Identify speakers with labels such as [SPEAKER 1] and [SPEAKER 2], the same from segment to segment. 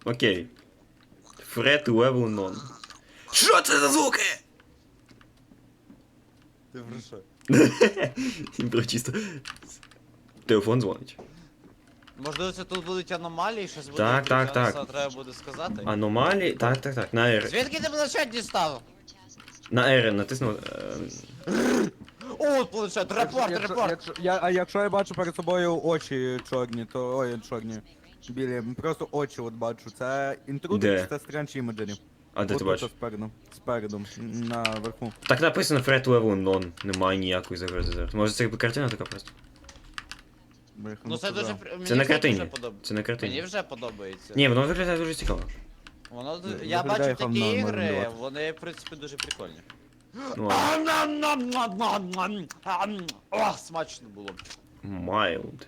[SPEAKER 1] Окей. Threat level none. Що це за звуки?
[SPEAKER 2] Ти про що?
[SPEAKER 1] Про чисто. Телефон дзвонить.
[SPEAKER 2] Можливо, це тут будуть аномалії, щось буде.
[SPEAKER 1] Так, так, так.
[SPEAKER 2] Це треба буде сказати.
[SPEAKER 1] Аномалії? Так. На R.
[SPEAKER 2] Звідки ти планшет дістав?
[SPEAKER 1] На R натиснув.
[SPEAKER 2] О, планшет, репорт.
[SPEAKER 3] А якщо я бачу перед собою очі чорні, то... Ой, чорні. Білі, просто очі от бачу. Це інтрудер
[SPEAKER 1] Де?
[SPEAKER 3] чи це Strange Imagery?
[SPEAKER 1] А де ти
[SPEAKER 3] Отут,
[SPEAKER 1] бачиш?
[SPEAKER 3] Спереду, наверху.
[SPEAKER 1] Так написано Threat level none. Немає ніякої загрози зараз. Може це якби картина така просто?
[SPEAKER 2] Ну це дуже... мені
[SPEAKER 1] Це на
[SPEAKER 2] вже
[SPEAKER 1] картині.
[SPEAKER 2] дуже подобається.
[SPEAKER 1] Це на
[SPEAKER 2] Мені
[SPEAKER 1] картині.
[SPEAKER 2] вже подобається.
[SPEAKER 1] Ні, воно виглядає дуже цікаво.
[SPEAKER 2] Воно...
[SPEAKER 3] Ну,
[SPEAKER 2] Я
[SPEAKER 3] виглядає
[SPEAKER 2] бачу такі
[SPEAKER 3] хавно, можна
[SPEAKER 2] ігри,
[SPEAKER 3] давати.
[SPEAKER 2] вони, в принципі, дуже прикольні.
[SPEAKER 1] Ну ладно.
[SPEAKER 2] О, смачно було.
[SPEAKER 1] Mild.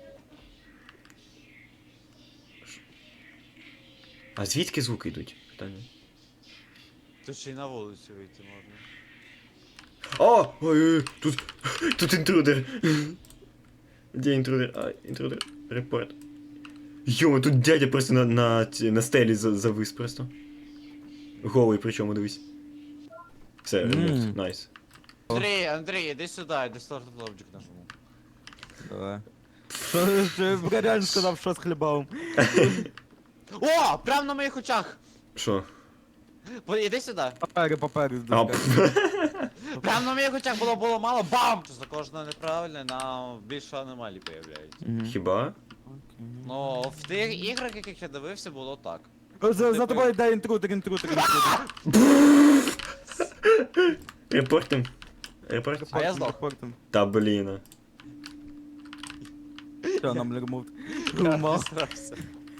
[SPEAKER 1] А звідки звуки йдуть? Питання.
[SPEAKER 2] Тут ще й на вулицю вийти можна.
[SPEAKER 1] О! Ой, тут інтрудер. Де інтрудер? А, інтрудер. Репорт. Йома, тут дядя просто на стелі завис просто. Голий причому, дивись. Все, ремонт, найс.
[SPEAKER 2] Андрій, іди сюди, іди Start Object нажму.
[SPEAKER 3] Давай. Що я реально сказав, що з хлібом.
[SPEAKER 2] О, прямо на моїх очах!
[SPEAKER 1] Що?
[SPEAKER 2] Іди сюди.
[SPEAKER 3] Папери.
[SPEAKER 1] А,
[SPEAKER 2] Прямо на моїх очах було мало, бам! За кожне неправильне нам більше аномалій появляється.
[SPEAKER 1] хіба?
[SPEAKER 2] Ну, в тих іграх, яких я дивився, було так.
[SPEAKER 3] За тобою йде інтрудер.
[SPEAKER 1] Репортим. Репорт?
[SPEAKER 2] А я здох.
[SPEAKER 3] Репортом.
[SPEAKER 1] Та блін.
[SPEAKER 3] Що нам ремовт?
[SPEAKER 2] Я зрався.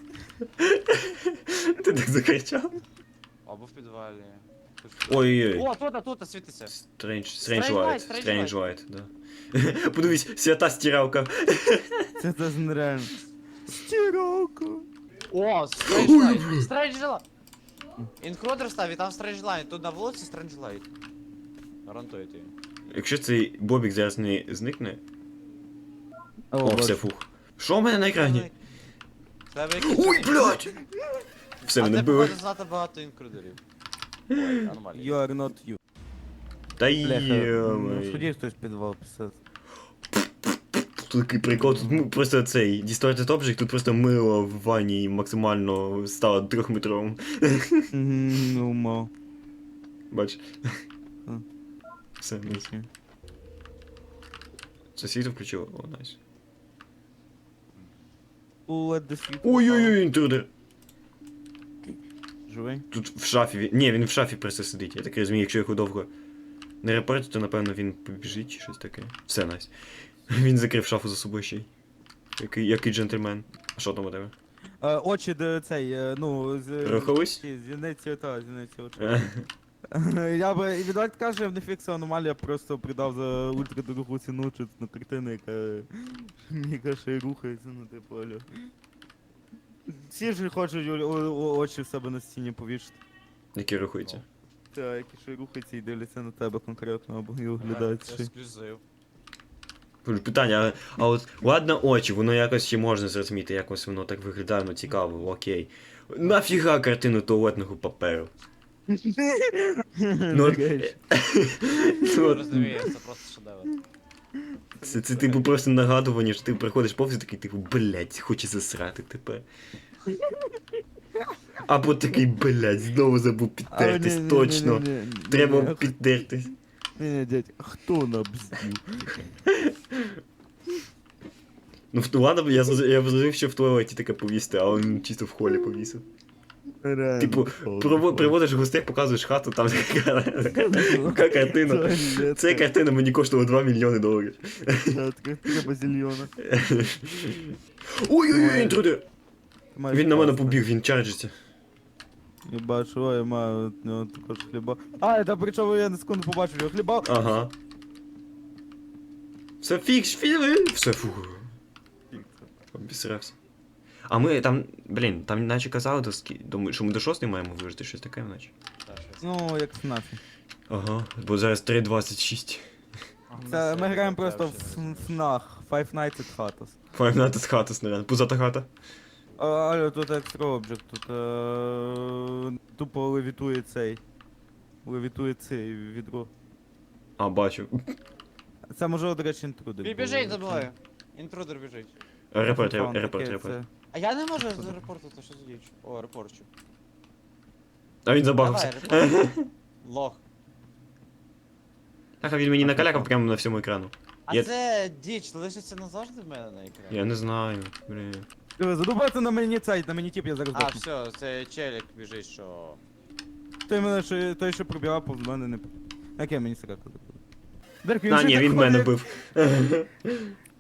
[SPEAKER 1] Ти так закричав?
[SPEAKER 2] Або в підвалі.
[SPEAKER 1] Ой-ой-ой.
[SPEAKER 2] О, тут світиться.
[SPEAKER 1] Strange
[SPEAKER 2] Light,
[SPEAKER 1] Light,
[SPEAKER 2] Strange
[SPEAKER 1] Strange Light, да. Подивись, свята стиралка.
[SPEAKER 3] Це нереально. Стиралка.
[SPEAKER 2] О, Strange Light. Strange Light. Інкрудер став і там Strange Light. Тут на вулиці Strange Light. Гарантую тобі.
[SPEAKER 1] Якщо цей бобік зараз не зникне. О,
[SPEAKER 3] О,
[SPEAKER 1] все, фух. Що в мене на екрані?
[SPEAKER 2] В тебе якісь...
[SPEAKER 1] Ой, блядь! Все,
[SPEAKER 2] А
[SPEAKER 1] мене
[SPEAKER 2] ти
[SPEAKER 1] били.
[SPEAKER 2] походу знати багато інкрудерів. Ой, нормально.
[SPEAKER 3] You are not you.
[SPEAKER 1] Та
[SPEAKER 3] Бляха,
[SPEAKER 1] йомай.
[SPEAKER 3] сходи хтось підвал писати.
[SPEAKER 1] Тут такий прикол, тут просто цей Distorted Object, тут просто мило в ванні максимально стало 3-метровим.
[SPEAKER 3] Ну, мав.
[SPEAKER 1] Бач.
[SPEAKER 3] М.
[SPEAKER 1] Все, найс. Це світло включило? О, найс.
[SPEAKER 3] Let the sweet.
[SPEAKER 1] Ой-ой-ой, інтрудер.
[SPEAKER 3] Живий?
[SPEAKER 1] Тут в шафі, ні, він в шафі просто сидить. Я так розумію, якщо його довго не репортити, то напевно він побіжить чи щось таке. Все, найс. Він закрив шафу за собою ще й. Який джентльмен. А що там у тебе?
[SPEAKER 3] Очі, де цей, ну, з...
[SPEAKER 1] Рухались?
[SPEAKER 3] Зіниці очі. Я би, і відверто кажу, в Нефіксу аномалія просто придав за ультрадорогу ціну чи на картину, яка ще й рухається, ну типу, алло. Всі ж хочуть очі в себе на стіні повішати.
[SPEAKER 1] Які рухаються.
[SPEAKER 3] Та, які ще й рухаються і дивляться на тебе конкретно, або і оглядають
[SPEAKER 2] Це
[SPEAKER 3] ще.
[SPEAKER 2] ексклюзив.
[SPEAKER 1] Питання, а от ладно очі, воно якось ще можна зрозуміти, якось воно так виглядає, ну цікаво, окей. Нафіга картину туалетного паперу? Ну, от- ну, от,
[SPEAKER 2] Розумію, це просто шедевр.
[SPEAKER 1] це типу просто нагадування, що ти приходиш повз і такий, типу, блять, хоче засрати тепер. Або такий, блять, знову забув підтертись, точно. Треба підтертись.
[SPEAKER 3] Не, дядь, хто набздів?
[SPEAKER 1] Ну, ладно, я зрозумів, що в туалеті таке повісти, а він чисто в холі повісив.
[SPEAKER 3] Реально.
[SPEAKER 1] Типу, приводиш гостей, показуєш хату, там така картина. Ця картина мені коштувала $2 мільйони.
[SPEAKER 3] Треба зільйона.
[SPEAKER 1] Ой-ой-ой, інтрудер! Він на мене побіг, він чарджиться.
[SPEAKER 3] Я бачу, я маю от нього також хліба. А, та причому я на секунду побачив його хліба.
[SPEAKER 1] Ага. Все фікс, все, фух. Обісрався. А ми там, блін, там наче казали, що ми до 6 маємо вижити, щось таке, наче.
[SPEAKER 2] Та, щось.
[SPEAKER 3] Ну, як СНАФі.
[SPEAKER 1] Ага, бо зараз 3:26.
[SPEAKER 3] Це ми граємо просто в ФНАХ, Five Nights at Hatters.
[SPEAKER 1] Five Nights at Hatters, наверное. Пузата хата.
[SPEAKER 3] Але тут екстра об'єкт, тут тупо левітує цей. Левітує цей відро.
[SPEAKER 1] А, бачу.
[SPEAKER 3] Це може, до речі, інтрудер.
[SPEAKER 2] Він
[SPEAKER 3] був,
[SPEAKER 2] біжить за
[SPEAKER 3] якщо-
[SPEAKER 2] мною. Інтрудер біжить.
[SPEAKER 1] Репорт,
[SPEAKER 3] Фан
[SPEAKER 1] репорт,
[SPEAKER 3] таке,
[SPEAKER 1] репорт.
[SPEAKER 3] це-
[SPEAKER 2] А я не можу зарепортити, що за діч. О, репорчу.
[SPEAKER 1] А він забагався.
[SPEAKER 2] Давай, репорт. Лох.
[SPEAKER 1] Так, а він мені
[SPEAKER 3] А,
[SPEAKER 1] накалякав
[SPEAKER 3] прикол.
[SPEAKER 1] прямо на всьому екрану.
[SPEAKER 2] А
[SPEAKER 1] Я-
[SPEAKER 2] це діч лишиться назавжди в мене на екрані?
[SPEAKER 1] Я не знаю, блін.
[SPEAKER 3] Задубаться на мені цей, на мені тип, я зараз
[SPEAKER 2] А,
[SPEAKER 3] дохну.
[SPEAKER 2] все, це челік біжить, що...
[SPEAKER 3] Той, що пробігав, повз мене не... Яке мені срака забув. Дерк, він
[SPEAKER 1] А,
[SPEAKER 3] же
[SPEAKER 1] ні,
[SPEAKER 3] так
[SPEAKER 1] він мене
[SPEAKER 3] ходить.
[SPEAKER 1] бив.